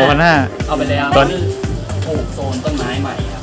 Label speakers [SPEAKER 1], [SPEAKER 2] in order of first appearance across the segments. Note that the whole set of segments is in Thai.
[SPEAKER 1] 2,500
[SPEAKER 2] เอาไปแล้วตอนนี้ปลูกโซนต้นไม้ใหม่ครับ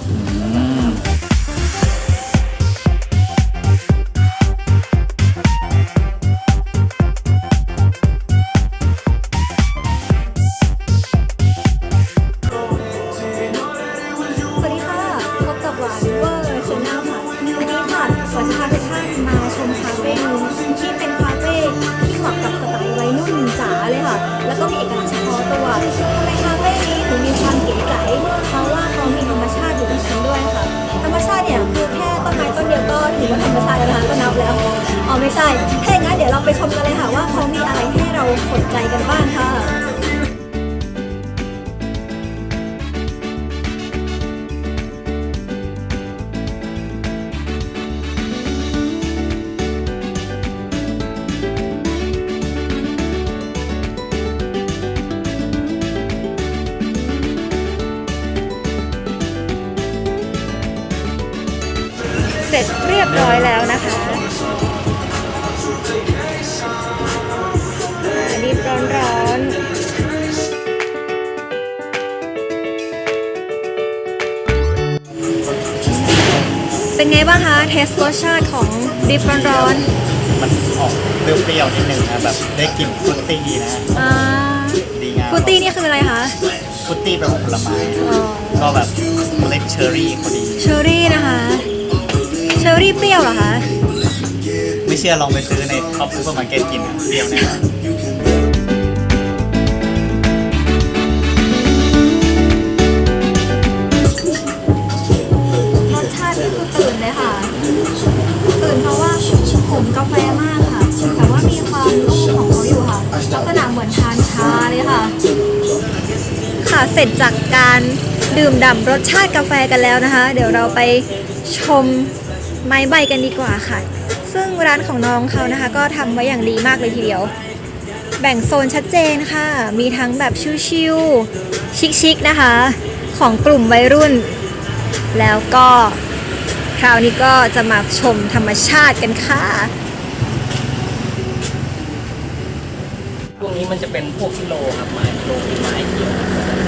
[SPEAKER 3] สวัสดีค่ะพบกับหวานเวอร์ชแนลค่ะวันนี้ค่ะหวานจะพาทุกท่านมาชมคาเฟ่นึงที่เป็นคาเฟ่ที่เหมาะกับสไตล์วัยรุ่นจ๋าเลยค่ะแล้วก็มีเอกลักษณ์เฉพาะตัวทำไมคาเฟ่นี้ถึงมีความเก๋ไก๋เพราะว่าเขามีธรรมชาติอยู่ในนั้นด้วยค่ะธรรมชาติเนี่ยคือแค่ต้นไม้ต้นเดียวก็ถือว่าธรรมชาติแล้วนะคะก็นับแล้วอ๋อไม่ใช่ถ้าอย่างนั้นเดี๋ยวเราไปชมกันเลยค่ะว่าเขามีอะไรให้เราสนใจกันบ้างค่ะเสร็จเรียบร้อยแล้วนะคะดิบร้อนๆเป็นไงบ้างคะเทสรสชาติของดิบร้อน
[SPEAKER 1] มันออกเปรี้ยวๆนิดนึงนะแบบได้กลิ่นฟรุตตี้นะ ดีงาม
[SPEAKER 3] ฟรุตตี้นี่คืออะไรคะ
[SPEAKER 1] ฟรุตตี้แปลว่าผลไม้ก็แบบเล็กเชอร์รี่พอดี
[SPEAKER 3] เชอร์รี่นะคะเชอร์รี่เปรี้ยวเหรอคะ
[SPEAKER 1] ไม่เชื่อลองไปซื้อในท็อปซูเปอร์มาร์เก็ตกินนะเปรี้ยวแน่นอน
[SPEAKER 3] รสชาตินี่คือตื่นเลยค่ะตื่นเพราะว่าผมกาแฟมากค่ะแต่ว่ามีความนุ่มของเขาอยู่ค่ะลักษณะเหมือนทานชาเลยค่ะค่ะเสร็จจากการดื่มด่ำรสชาติกาแฟกันแล้วนะคะเดี๋ยวเราไปชมไม้ใบกันดีกว่าค่ะซึ่งร้านของน้องเขานะคะก็ทำไว้อย่างดีมากเลยทีเดียวแบ่งโซนชัดเจนค่ะมีทั้งแบบชิลๆชิคๆนะคะของกลุ่มวัยรุ่นแล้วก็คราวนี้ก็จะมาชมธรรมชาติกันค่ะ
[SPEAKER 2] พวกนี้มันจะเป็นพวกกิโลครับไม้กิโลเป็นไม้เขียว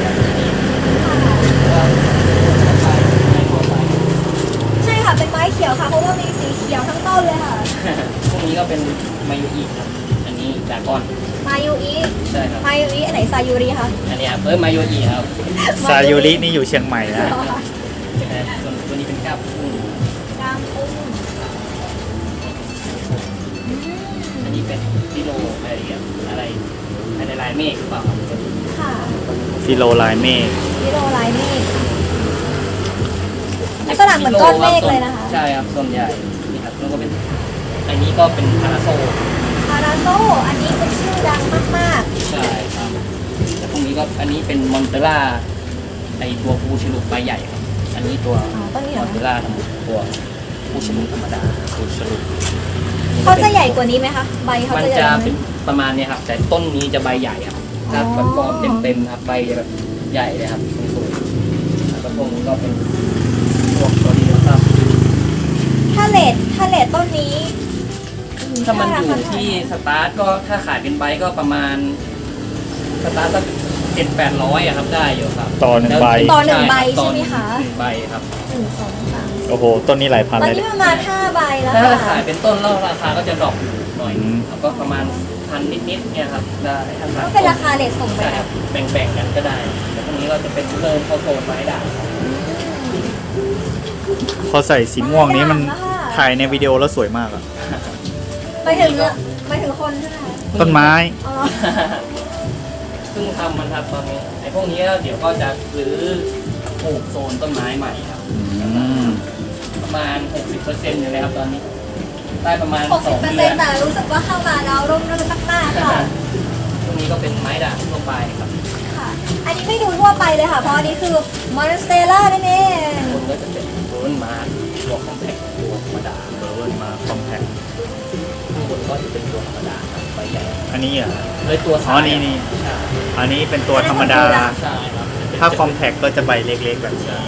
[SPEAKER 3] ใช่ค่ะเป็นไม้เขียวค่ะเพราะว่ามีสีเขียวทั้งต้นเลยค่ะ
[SPEAKER 2] พวกนี้ก็เป็นมายุอีครับอันนี้ดากอน
[SPEAKER 3] มายูอิ
[SPEAKER 2] ใช่ครับ
[SPEAKER 3] มายูอิอันไหนซายูริคะ
[SPEAKER 2] อันนี้ครับมายุอีครับ
[SPEAKER 1] ซายูรินี่อยู่เชียงใหม่นะ
[SPEAKER 2] ส่วนตัวนี้เป็นก้ามกุ้ง
[SPEAKER 3] กามกุ้ง
[SPEAKER 2] อันนี้เป็นกิโลอะไรอย่างอะไรในลายเมฆหรือเปล่าครับ
[SPEAKER 3] ค่ะ
[SPEAKER 1] ฟิโลไลเมฆ
[SPEAKER 3] กิโลลายเมฆลักษณะเหมือนก้อนเมฆเลยนะคะ
[SPEAKER 2] ใช่ครับส่วนใหญ่นี่ครับแล้วก็เป็นอันนี้ก็เป็นพาราโซ
[SPEAKER 3] พาราโซอันนี้เป็นชื่อดังมาก
[SPEAKER 2] ใช่ครับแต่พวกนี้ก็อันนี้เป็นมอนเตล่าไอตัวปูฉลุใบใหญ่ครับอันนี้ตัว
[SPEAKER 3] ๆอ๋อต้นนี้เห
[SPEAKER 2] ม
[SPEAKER 3] ร
[SPEAKER 2] อ
[SPEAKER 3] อน
[SPEAKER 2] เตล่าทั้งหมดตัวปูฉลุธรรมดาปูฉลุ
[SPEAKER 3] เขาจะใหญ่กว่านี้ไหมคะใบเขา
[SPEAKER 2] มัน
[SPEAKER 3] จะใหญ่
[SPEAKER 2] จะ
[SPEAKER 3] กว่า
[SPEAKER 2] เป็น
[SPEAKER 3] นี้
[SPEAKER 2] ประมาณเนี้ยครับแต่ต้นนี้จะใบใหญ่ครับถ้าแบบฟอร์มเต็มๆครับใบจะแบบใหญ่เลยครับสูงๆแล้วก็พวกนี้ก็เป็นพวกตัวนี้นะครับ
[SPEAKER 3] ถ้าเลทต้นนี้
[SPEAKER 2] ถ้ามันอยู่ที่สตาร์ทก็ถ้าขายเป็นใบก็ประมาณสตาร์ทก็700-800อะครับได้อยู่ครับ
[SPEAKER 1] ต่อหนึ่งใบ
[SPEAKER 3] ต่อหนึ่งใบ
[SPEAKER 2] ต่อ
[SPEAKER 3] ใช่ไหมคะ
[SPEAKER 2] หนึ่งใบครับ
[SPEAKER 3] 1 2 3
[SPEAKER 1] โอ้โห ต้นนี้หลายพัน
[SPEAKER 3] ตอน
[SPEAKER 1] เลย
[SPEAKER 3] นี้
[SPEAKER 1] เนี่ย
[SPEAKER 3] ประมาณ5ใบแล้ว
[SPEAKER 2] ถ้า
[SPEAKER 3] ค่ะ
[SPEAKER 2] ขายเป็นต้นแล้วราคาก็จะดรอปอยู่หน่อย
[SPEAKER 1] อืม
[SPEAKER 2] แล้วก็ประมาณพันนิดๆเนี่ยครับได้ถ้าขาย
[SPEAKER 3] ก็เป็นราคาเลทส่งไป
[SPEAKER 2] ใช่ครับแบ่งๆกันก็ได้แต่พวกนี้ก็จะเป็นเริ่มเข้าโซนไม้ด่างครับ
[SPEAKER 1] พอใส่สีม่วงนี้มันถ่ายในวิดีโอแล้วสวยมากอะ
[SPEAKER 3] ไปถึงคนใช่ไหมคะ
[SPEAKER 1] ต้นไม้
[SPEAKER 3] อ๋อ
[SPEAKER 2] เพิ่งทำมันครับตอนนี้ไอ้พวกนี้เดี๋ยวก็จะซื้อปลูกโซนต้นไม้ใหม่ครับ ประมาณ 60%อยู่เลยครับตอนนี้ได้ประมาณ2 เดือน
[SPEAKER 3] 60%แต่รู้สึกว่าเข้ามาแล้วร่มรื่นมากๆค่ะ
[SPEAKER 2] พวกนี้ก็เป็นไม้ด่างทั่วไปครับ
[SPEAKER 3] ค่ะ อันนี้ไม่ดูทั่วไปเลยค่ะ เพราะอันนี้คือมอนสเตล่านั่นเอง
[SPEAKER 2] คนก็จะเป็นโรนมาร์ตัวคอมแพคตัวธรรมดา
[SPEAKER 1] เบิร์นมาคอมแพค
[SPEAKER 2] ข้างบนก็จะเป็นตัวธรรมดาครับใบใหญ่
[SPEAKER 1] อันนี้อ่ะ
[SPEAKER 2] เลยตัว
[SPEAKER 1] อ๋อนี่
[SPEAKER 2] ใช่
[SPEAKER 1] อันนี้เป็นตัวธรรมดา
[SPEAKER 2] ใช่ครับ
[SPEAKER 1] ถ้าคอมแพคก็จะใบเล็กๆแบบนี้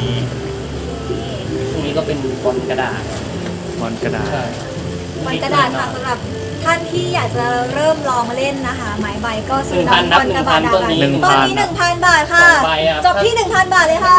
[SPEAKER 2] พวกนี้ก็เป็นบอลกระดาษ
[SPEAKER 1] มอนกระดาษ
[SPEAKER 2] ใช่
[SPEAKER 3] มันกระดาษค่ะสำหรับท่านที่อยากจะเริ่มลองเล่นนะคะหมายใบก็ซื้อ
[SPEAKER 2] 1,000
[SPEAKER 3] น้องบอลกระบาดดาว
[SPEAKER 2] ต้นนี้
[SPEAKER 3] ตอนนี้ 1,000 บาทค่ะ
[SPEAKER 2] 2 ใบอะ
[SPEAKER 3] จบที่ 1,000 บาทเลยค่ะ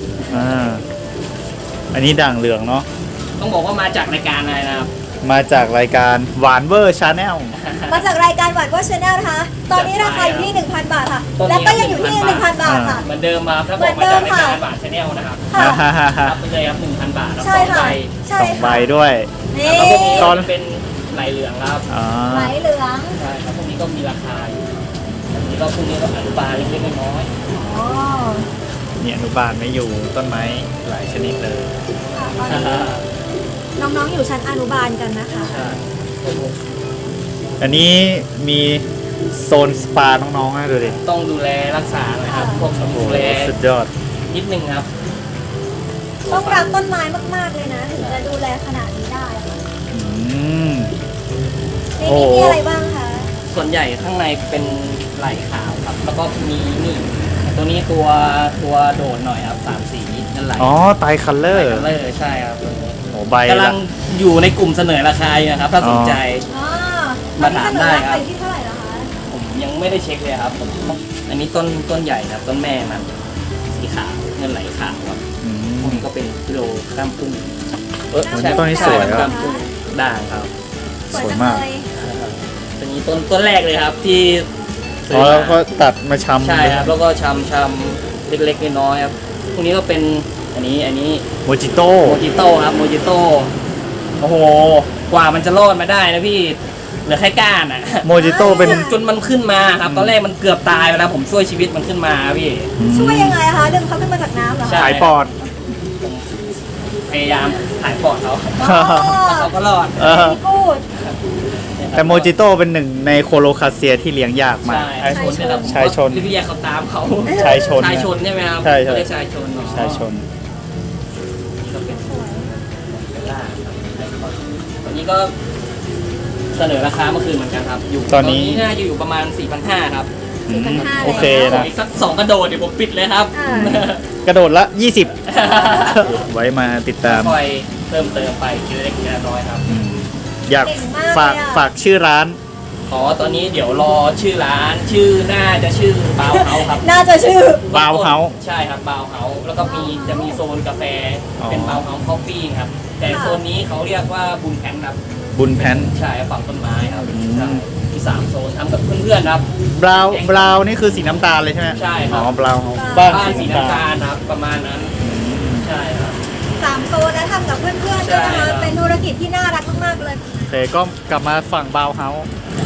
[SPEAKER 1] อันนี้ด่างเหลืองเนาะ
[SPEAKER 2] ต้องบอกว่ามาจากรายการอะไรนะครับ
[SPEAKER 1] มาจากรายการหวานเวอร์ชาแนล
[SPEAKER 3] มาจากรายการวัดว่าชาแนลนะคะ ตอนนี้ราคาอยู่ที่ 1,000 บาทค่ะ
[SPEAKER 2] ต้น
[SPEAKER 3] และ
[SPEAKER 2] นี้
[SPEAKER 3] ก็ยังอยู่ที่ 1,000 บาทค่ะ
[SPEAKER 2] เหมือนเดิมครับถ้าบอกมาจากรายการบาทชาแนลนะครับ
[SPEAKER 3] ค่ะ
[SPEAKER 2] รับไปเลยครับ 1,000 บาทครับ
[SPEAKER 3] ใช่
[SPEAKER 2] 2
[SPEAKER 3] ค่ะ
[SPEAKER 2] ใบ
[SPEAKER 3] ใช่
[SPEAKER 1] สองใบ
[SPEAKER 3] ค่ะ
[SPEAKER 1] ด้วย
[SPEAKER 3] นี่
[SPEAKER 2] แล้วพวกนี้ก็จะเป็นไหลเหลืองครับ
[SPEAKER 1] อ่า
[SPEAKER 3] ไหมเหลือง
[SPEAKER 2] ใช่ครับพวกนี้ก็มีราคาอยู่อันนี้ก็พวกนี้ก็อนุบาลเล็กๆน้อย
[SPEAKER 3] อ๋อ
[SPEAKER 1] เนี่ยอนุบาลไม่อยู่ต้นไม้หลายชนิดเลย
[SPEAKER 3] ค่ะตอน
[SPEAKER 2] ๆ
[SPEAKER 3] นี้น้องๆอยู่ชั้นอนุบาลกันนะคะ
[SPEAKER 2] ใช่
[SPEAKER 1] อันนี้มีโซนสปาน้องๆนะดูดิ
[SPEAKER 2] ต้องดูแลรักษาหนะครับพวก
[SPEAKER 1] โอ้โห
[SPEAKER 2] ดูแล
[SPEAKER 1] สุดยอด
[SPEAKER 2] นิดนึงครับ
[SPEAKER 3] ต้องรักต้นไม้มากๆเลยนะ ถึงจะดูแลขนาดนี้ได้ค่ะ
[SPEAKER 1] อืม
[SPEAKER 3] ใน
[SPEAKER 1] โอ้
[SPEAKER 3] นี้มีอะไรบ้างคะ
[SPEAKER 2] ส่วนใหญ่ข้างในเป็นไหลขาวครับ แล้วก็มีนี่ตัวนี้ตัวโดดหน่อยครับ3 สีนั่นไหล
[SPEAKER 1] อ๋อไตรคัลเลอ
[SPEAKER 2] ไหล
[SPEAKER 1] ร์
[SPEAKER 2] กันเลยใช่ครับตัวนี้
[SPEAKER 1] โอ้ใบ
[SPEAKER 2] กำลั
[SPEAKER 1] ละ
[SPEAKER 2] งอยู่ในกลุ่มเสนอราคาอยู่นะครับ ถ้าสนใจ
[SPEAKER 3] อ๋อ
[SPEAKER 2] มาถามได้ครับ
[SPEAKER 3] ตอนนี้เสนอราคาอยู่ที่เท่าไหร่แล้วคะ
[SPEAKER 2] ผมยังไม่ได้เช็คเลยครับผมอันนี้ต้นใหญ่ครับต้นแม่มันสีขาวเงินไหลขาวครับ
[SPEAKER 1] อื
[SPEAKER 2] พวก
[SPEAKER 1] ม
[SPEAKER 2] นี้ก็เป็นกิโลกรัมพุ่ง
[SPEAKER 1] ต้นนี้สวยครับ
[SPEAKER 2] กรัมพุ่งด่างครับ
[SPEAKER 1] สวยมาก
[SPEAKER 3] จังเลย
[SPEAKER 2] ตัวนี้ต้นแรกเลยครับที่ซื้
[SPEAKER 1] อ๋อ
[SPEAKER 2] อ
[SPEAKER 1] แล้ว
[SPEAKER 2] มา
[SPEAKER 1] ก็ตัดมาชำ
[SPEAKER 2] ใช่ครับแล้วก็ชำเล็กๆน้อยๆครับพวกนี้ก็เป็นอันนี้
[SPEAKER 1] โมจิโต้
[SPEAKER 2] โมจิโต้ครับโมจิโต้โอ้โหกว่ามันจะรอดมาได้นะพี่เหลือแค่ก้านอ่ะ
[SPEAKER 1] โมจิโต้เป็น
[SPEAKER 2] จนมันขึ้นมาครับตอนแรกมันเกือบตายไปแล้วผมช่วยชีวิตมันขึ้นมาพี่
[SPEAKER 3] ช่วยยังไงคะดึงเขาขึ้นมาจากน้ำเหรอ
[SPEAKER 2] ใช่
[SPEAKER 3] คะ
[SPEAKER 1] สายปอด
[SPEAKER 2] ผมพยายามถ่ายปอดเขา
[SPEAKER 3] อ๋อ
[SPEAKER 2] แล้วเขาก็รอด
[SPEAKER 1] เออ
[SPEAKER 3] พี่กูด
[SPEAKER 1] แต่โมจิโต้เป็นหนึ่งในโคโลคาเซียที่เลี้ยงยากมาก
[SPEAKER 2] ชายชนเนี่ยครับ
[SPEAKER 1] ชายชน
[SPEAKER 2] เรียกเขาตามเขา
[SPEAKER 1] ชายชน
[SPEAKER 2] ชายชนใช่ไหมครับ
[SPEAKER 1] ใช่ใช่
[SPEAKER 2] เรียกชายชนเนาะ
[SPEAKER 1] ชายชน
[SPEAKER 2] นี่ก็เป็นล่าครับตอนนี้ก็เสนอราคาเมื่อคืนเหมือนกันครับ อยู่
[SPEAKER 1] ตอนนี้
[SPEAKER 2] น่าจะอยู่ประมาณ 4,500 ครับ
[SPEAKER 1] อืม
[SPEAKER 3] 4,500
[SPEAKER 1] โอเค
[SPEAKER 2] ขอ
[SPEAKER 1] นะ
[SPEAKER 2] อีกสัก2 กระโดดเดี๋ยวผมปิดเลยครับ
[SPEAKER 3] อ่า
[SPEAKER 1] กระโดดละ 20 ไว้มาติดตาม
[SPEAKER 2] คอยเพิ่มเติมไปทีละเล็กทีละน้อยครับ
[SPEAKER 1] อืมอยาก
[SPEAKER 3] เก่งมาก
[SPEAKER 1] ฝาก
[SPEAKER 3] เลยอะ
[SPEAKER 1] ฝากชื่อร้าน
[SPEAKER 2] อ๋อตอนนี้เดี๋ยวรอชื่อร้านชื่อน่าจะชื่อบาวเฮาครับ
[SPEAKER 3] น่าจะชื่อ
[SPEAKER 1] Bauhaus
[SPEAKER 2] ใช่ครับบาวเฮาแล้วก็จะมีโซนกาแฟ
[SPEAKER 1] อ๋อ
[SPEAKER 2] เป็นบาวเฮาคอฟฟี่ครับ แต่
[SPEAKER 3] ค่ะ
[SPEAKER 2] โซนนี้เขาเรียกว่าบุญแพนครับ
[SPEAKER 1] บุญแพน
[SPEAKER 2] ใช่ฝั่งต้นไม้ครับ
[SPEAKER 1] อืม
[SPEAKER 2] ใช่มี3 โซนทำกับเพื่อนๆครับ
[SPEAKER 1] บราวนี่คือสีน้ำตาลเลยใช่ไหม
[SPEAKER 2] ใช่ครับ
[SPEAKER 1] อ๋อบราว
[SPEAKER 3] บ้า
[SPEAKER 1] บ้าน
[SPEAKER 2] บ้าน
[SPEAKER 1] สี
[SPEAKER 2] สี
[SPEAKER 1] น้ำ
[SPEAKER 2] น้ำ
[SPEAKER 1] ตา
[SPEAKER 2] ตา
[SPEAKER 1] ล
[SPEAKER 2] ลครับประมาณนั้นใช่ครับ
[SPEAKER 3] 3 โซนนะทำกับเพื่อนๆด้วยนะ
[SPEAKER 2] ใช่ครั
[SPEAKER 3] คะ
[SPEAKER 2] บ
[SPEAKER 3] เป็นธุรกิจที่น่ารักมากๆเลย
[SPEAKER 1] โอเคก็กลับมาฝั่งบาวเฮาส์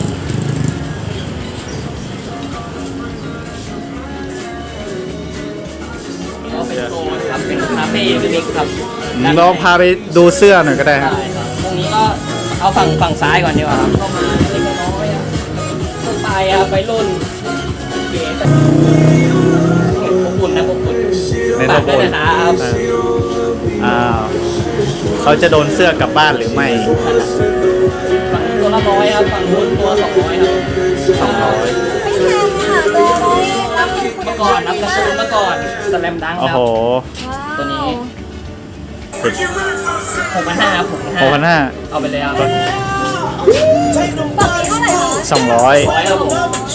[SPEAKER 2] นี่ก็เป็นโซนครับเป็นคาเฟ่เล็กๆครับ
[SPEAKER 1] เราพาไปดูเสื้อหน่อยก็ได้ครับ
[SPEAKER 2] ใช่ครับพวกนี้ก็เอาฝั่งซ้ายก่อนดีกว่าครับเข้ามาเล็กๆน้อยๆอะทั่วไปอะไปรุ่นเก๋แต่อบอุ่นนะอบอุ่น
[SPEAKER 1] ใน
[SPEAKER 2] ฝาก
[SPEAKER 1] โล
[SPEAKER 2] ด้วย
[SPEAKER 1] โก้
[SPEAKER 2] นะครับ
[SPEAKER 1] อ้าวเขาจะโดนเสื้อกลับบ้านหรือไม่
[SPEAKER 2] ฝั่งนี้ตัวละ100ครับฝั่งนู้นตัว200ครับ
[SPEAKER 1] 200
[SPEAKER 3] ไม่แพงค่ะตัวร้อยรับเป็นคุณ
[SPEAKER 2] เมื่อก่อนรับกระสุนเมื่อก่อนสแลมดังค
[SPEAKER 1] โอ้
[SPEAKER 2] รับ
[SPEAKER 1] โห
[SPEAKER 2] ตัวนี้
[SPEAKER 1] สุด
[SPEAKER 2] 6,500ครับ
[SPEAKER 1] 6,500
[SPEAKER 2] เอาไปเลยครับ
[SPEAKER 3] ฝั่งนี้เท่าไหร่คะ
[SPEAKER 1] 200
[SPEAKER 2] 100ครับผม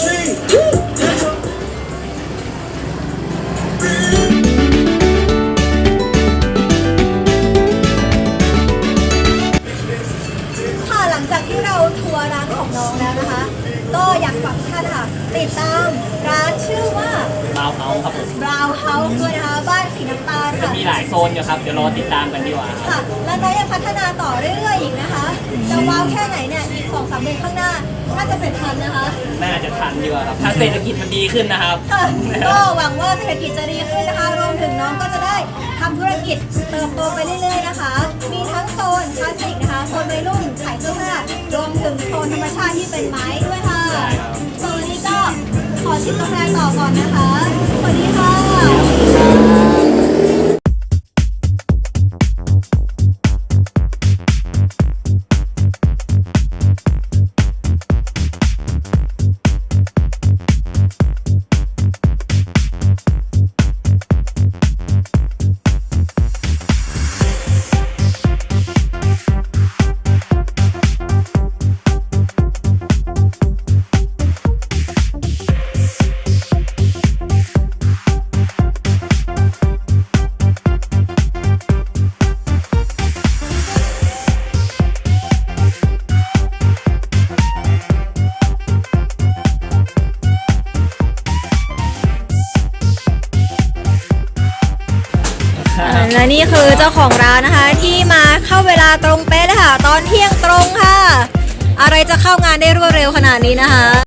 [SPEAKER 3] ค่ะหลังจากที่เราทัวร์ร้านของน้องแล้วนะคะ ก็อยากฝากทุกท่านค่ะ ติดตามร้านชื่อว่า
[SPEAKER 2] บาวเฮาครับผม
[SPEAKER 3] Brown House ด้วยนะคะ บ้านสีน้ำตาล
[SPEAKER 2] จะ
[SPEAKER 3] ค่ะ
[SPEAKER 2] มีหลายโซนอยู่ครับ เดี๋ยวรอติดตามกันดีกว่าครับ
[SPEAKER 3] ค่ะ และน้องยังพัฒนาต่อเรื่อยๆอีกนะคะจะว้าวแค่ไหนเนี่ยอีก 2-3 เดือนข้างหน้าน่าจะเสร็จทันนะคะ
[SPEAKER 2] น่าจะทันดีกว่าครับ ถ้าเศรษฐกิจมันดีขึ้นนะครับ
[SPEAKER 3] ค่ะก็หวังว่าเศรษฐกิจจะดีขึ้นนะคะ รวมถึงน้องก็จะได้ทำธุรกิจเติบโตไปเรื่อยๆนะคะ มีทั้งโซนคลาสสิกนะคะ โซนวัยรุ่นขายเสื้อผ้ารวมถึงโซนธรรมชาติที่เป็นไม้ด้วยค่ะ
[SPEAKER 2] ใช่ครับ
[SPEAKER 3] โซนนี้ก็ขอชิมกาแฟต่อก่อนนะคะ สวัสดีค่ะและนี่คือเจ้าของร้านนะคะที่มาเข้าเวลาตรงเป๊ะเลยค่ะ ตอนเที่ยงตรงค่ะ อะไรจะเข้างานได้รวดเร็วขนาดนี้นะคะ